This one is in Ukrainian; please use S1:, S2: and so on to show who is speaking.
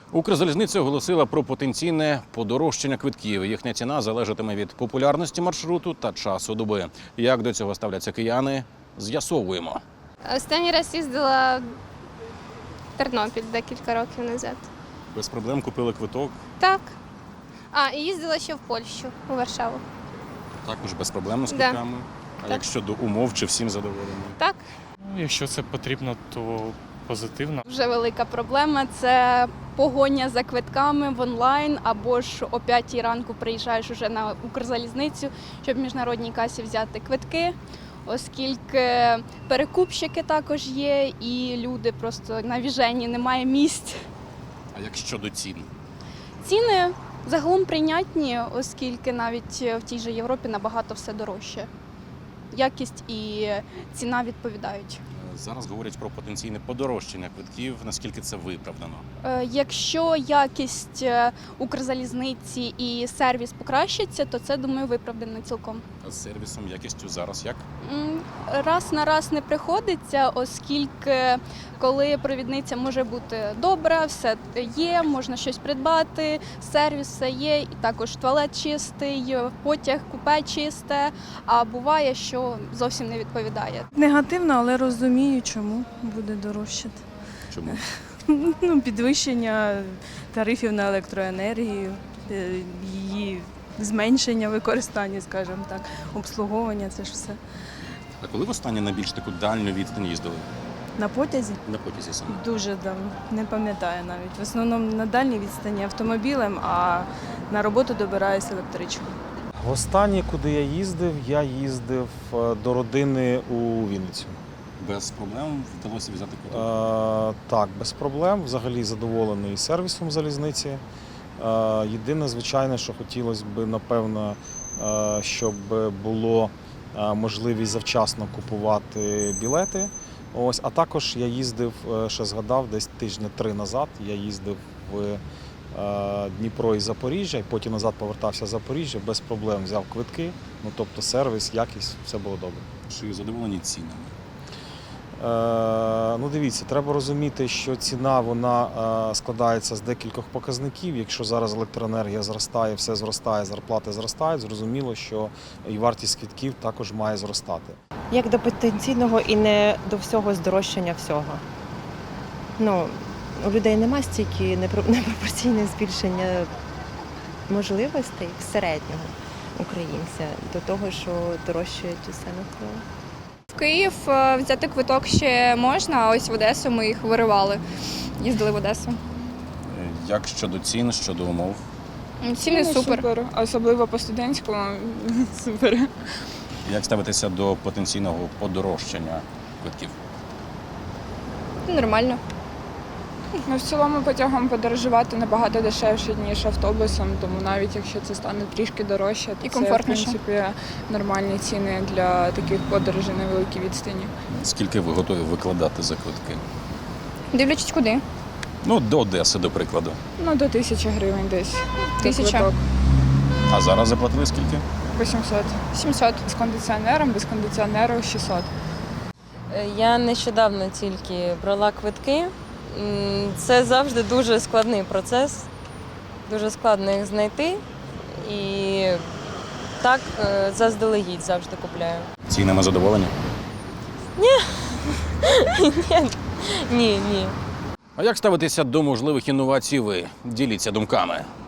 S1: Укрзалізниця оголосила про потенційне подорожчання квитків. Їхня ціна залежатиме від популярності маршруту та часу доби. Як до цього ставляться кияни, з'ясовуємо.
S2: Останній раз їздила в Тернопіль декілька років назад.
S1: Без проблем купили квиток.
S2: Так. І їздила ще в Польщу, у Варшаву.
S1: Також без проблем з
S2: Да.
S1: квитками. А
S2: Так.
S1: як щодо умов, чи всім задоволені?
S2: Так.
S3: Якщо це потрібно, то позитивно.
S4: Вже велика проблема – це погоня за квитками в онлайн, або ж о 5 ранку приїжджаєш уже на Укрзалізницю, щоб в міжнародній касі взяти квитки, оскільки перекупщики також є, і люди просто навіжені, немає місць.
S1: А як щодо цін?
S4: Ціни загалом прийнятні, оскільки навіть в тій же Європі набагато все дорожче. Якість і ціна відповідають.
S1: Зараз говорять про потенційне подорожчання квитків. Наскільки це виправдано?
S4: Якщо якість Укрзалізниці і сервіс покращиться, то це, думаю, виправдано цілком.
S1: А з сервісом, якістю зараз як?
S4: Раз на раз не приходиться, оскільки коли провідниця може бути добра, все є, можна щось придбати, сервіс все є, і також туалет чистий, потяг, купе чисте, а буває, що зовсім не відповідає.
S5: Негативно, але розумію, чому буде дорожчати.
S1: Чому?
S5: Підвищення тарифів на електроенергію, її зменшення використання, скажімо так, обслуговування, це ж все.
S1: А коли востаннє на більш таку дальню відстань їздили?
S5: На потязі
S1: На потязі саме.
S5: дуже давно, не пам'ятаю навіть. В основному на дальній відстані автомобілем, а на роботу добираюся електричкою.
S6: Останнє, куди я їздив до родини у Вінницю.
S1: Без проблем вдалося взяти квиток?
S6: Так, без проблем. Взагалі задоволений сервісом залізниці. Єдине, звичайно, що хотілося б, напевно, щоб було можливість завчасно купувати білети. Ось, а також я їздив, ще згадав, десь тижні 3 назад, я їздив в Дніпро і Запоріжжя, і потім назад повертався в Запоріжжя, без проблем взяв квитки, тобто сервіс, якість, все було добре.
S1: Чи задоволені цінами?
S6: Дивіться, треба розуміти, що ціна вона складається з декількох показників. Якщо зараз електроенергія зростає, все зростає, зарплати зростають, зрозуміло, що і вартість квитків також має зростати.
S7: Як до потенційного і не до всього здорожчання всього. У людей немає стільки непропорційне збільшення можливостей середнього українця до того, що дорожчають усе навколо.
S8: В Київ взяти квиток ще можна, а ось в Одесу ми їх виривали. Їздили в Одесу.
S1: Як щодо цін, щодо умов?
S8: Ціни супер.
S9: Особливо по студентському супер.
S1: Як ставитися до потенційного подорожчання квитків?
S8: Нормально.
S9: В цілому потягом подорожувати набагато дешевше, ніж автобусом, тому навіть якщо це стане трішки дорожче, то
S8: І
S9: це,
S8: комфортніше.
S9: в принципі, нормальні ціни для таких подорожей на великій відстані.
S1: Скільки ви готові викладати за квитки?
S8: Дивлячись куди.
S1: До Одеси, до прикладу.
S9: До 1000 гривень десь. за
S8: 1000.
S9: квиток.
S1: А зараз заплатили скільки?
S9: 800.
S8: 700.
S9: З кондиціонером, без кондиціонеру 600.
S10: Я нещодавно тільки брала квитки. Це завжди дуже складний процес, дуже складно їх знайти. І так заздалегідь завжди купляю.
S1: Цінами задоволені?
S10: Ні.
S1: А як ставитися до можливих інновацій ви? Діліться думками.